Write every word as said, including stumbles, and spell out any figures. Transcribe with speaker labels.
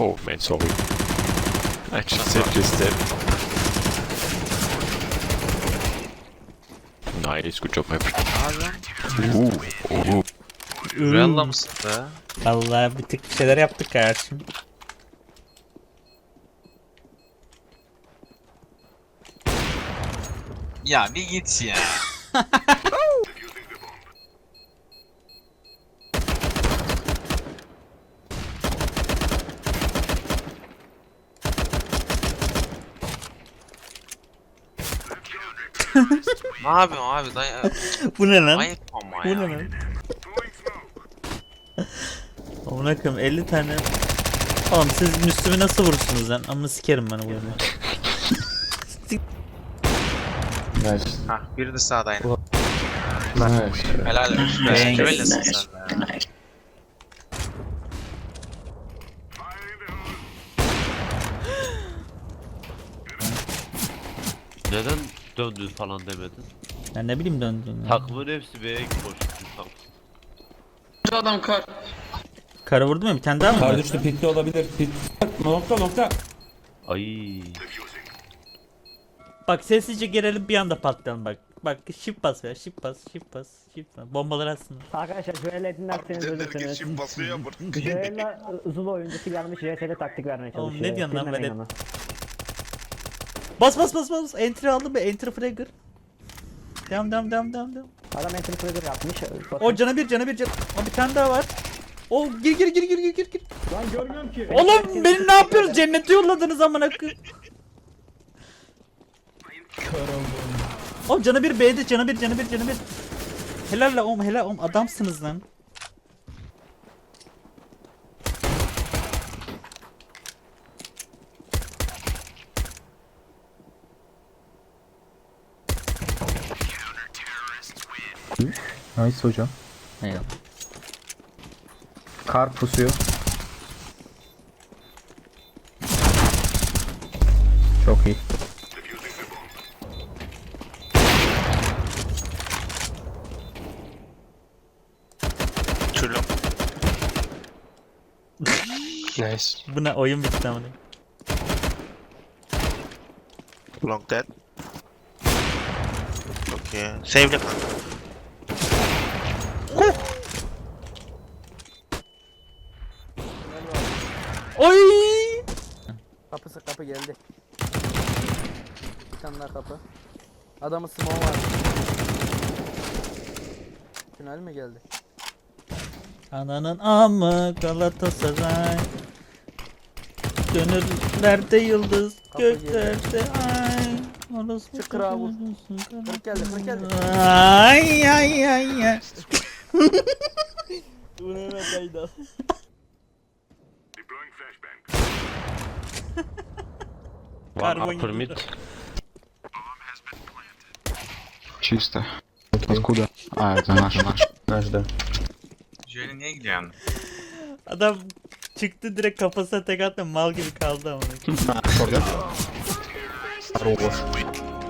Speaker 1: Oh man, sorry. I just said just that. Nice, good job my friend. Ooh, oh.
Speaker 2: Rüyalla mısın be?
Speaker 3: Vallahi bir tık bir şeyler yaptık kardeşim.
Speaker 2: Ya bir git ya. Ne yapıyorsun abi dayı?
Speaker 3: Bu ne lan?
Speaker 2: Ayıp ama
Speaker 3: Bu
Speaker 2: ya.
Speaker 3: ne lan? Amına koyayım elli tane. Oğlum siz Müslüm'ü nasıl vurursunuz lan? Amına sikerim ben bu oyunu.
Speaker 4: Nice.
Speaker 2: Hah biri de sağdaydı.
Speaker 4: Nice.
Speaker 2: Helal olsun.
Speaker 3: Thanks.
Speaker 2: Öylesin sen de.
Speaker 5: Neden döndün falan demedin?
Speaker 3: Ben ne bileyim döndüm. ya.
Speaker 5: Takımın hepsi B'ye koştu.
Speaker 4: Şu adam kar.
Speaker 3: Kara vurdu mu? Bir tane daha mı?
Speaker 6: Kar
Speaker 3: var?
Speaker 6: düştü, pitli olabilir. Pit. Nokta nokta.
Speaker 5: Ay.
Speaker 3: Bak sessizce gelelim bir anda patlayalım bak. Bak shift bas ya shift bas shift bas shift bas. Bombalar aslında.
Speaker 7: Arkadaşlar Joel'e dinlerseniz ölürsünüz. Joel'e Zulu oyuncusu gelmiş J S'de taktik vermeye
Speaker 3: Oğlum,
Speaker 7: çalışıyor.
Speaker 3: ne diyorsun lan
Speaker 7: Dinlemeyin
Speaker 3: velet?
Speaker 7: onu.
Speaker 3: Bas bas bas bas. Entry aldım mı? Entry fragger. Devam devam devam devam devam.
Speaker 7: Adam entry trigger yapmış.
Speaker 3: O cana bir cana bir cana. O bir tane daha var. O gir gir gir gir gir gir gir.
Speaker 7: Lan görmüyorum ki.
Speaker 3: Oğlum beni ne yapıyoruz? Cennete yolladınız amına koyayım. Oğlum cana bir B'de cana bir cana bir cana bir. Helal la oğlum helal oğlum adamsınız lan.
Speaker 4: Nice hocam.
Speaker 3: Eyvallah.
Speaker 4: Kar pusuyor. Çok iyi.
Speaker 2: Çürlüm.
Speaker 1: Nice.
Speaker 3: Bu ne oyun bitti amına.
Speaker 2: Long dead. Okay. Save'le kanka.
Speaker 3: Oy!
Speaker 8: Kapısı kapı geldi. Bir tane daha kapı. Adamın smoke var. Tünel mi geldi?
Speaker 3: Ananın amı Galatasaray. Gönüllerde yıldız,
Speaker 8: Kapı
Speaker 3: göklerde ay. Orası
Speaker 8: Çık kırağı vur. Kırık geldi, kırık geldi.
Speaker 3: Ay ay ay ay.
Speaker 8: Bu ne kaydı?
Speaker 5: One
Speaker 3: Karbon
Speaker 5: upper mid.
Speaker 3: gibi.
Speaker 4: Чисто. Откуда? А, это наш, наш. Наш, да.
Speaker 2: Joel'e niye gidiyorsun?
Speaker 3: Adam çıktı direkt kafasına tek attı mal gibi kaldı ama.
Speaker 4: Хорош.